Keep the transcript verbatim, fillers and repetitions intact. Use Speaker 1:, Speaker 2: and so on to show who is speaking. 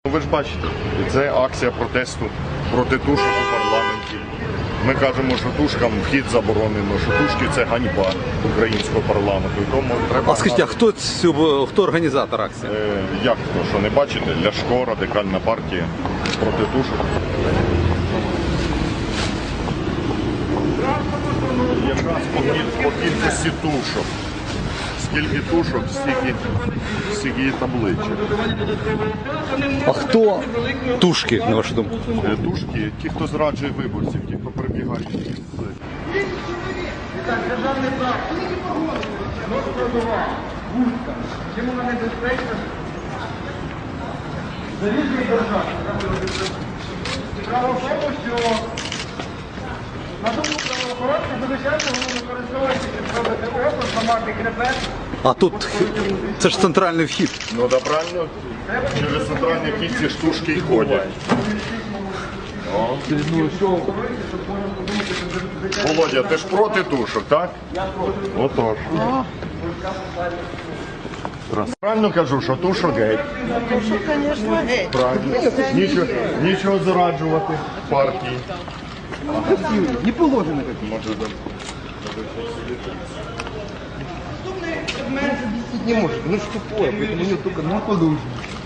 Speaker 1: Ви ж бачите, це акція протесту проти тушок у парламенті. Ми кажемо, що тушкам вхід заборонено, що тушки – це ганьба українського парламенту. І тому треба...
Speaker 2: А скажіть, а хто, цю, хто організатор акції?
Speaker 1: Е, як хто, що не бачите? Ляшко, Радикальна партія проти тушок. Якраз по, кіль, по кількості тушок. Скільки тушок, стільки, стільки є табличок.
Speaker 2: А хто тушки, на вашу думку?
Speaker 1: Е, Тушки, ті, хто зраджує виборців, ті, хто прибігають.
Speaker 3: Чим вона небезпечна? Залізний держав. Справа в тому, що на думку правоохоронців, звичайно, вони використовують, щоб робити опис, ламати хребет.
Speaker 2: А тут це ж центральний вхід.
Speaker 1: Ну да, правильно, через центральні вхід ці штушки й ходять. О. Володя, ти ж проти тушок, так? Я проти. Отож. Правильно кажу, що тушок геть.
Speaker 4: Тушок, звісно, геть.
Speaker 1: Правильно. Нічого, нічого зраджувати партії.
Speaker 3: Не положено.
Speaker 1: Може, да.
Speaker 3: Не может, ну что тупое, поэтому у него только на подушке.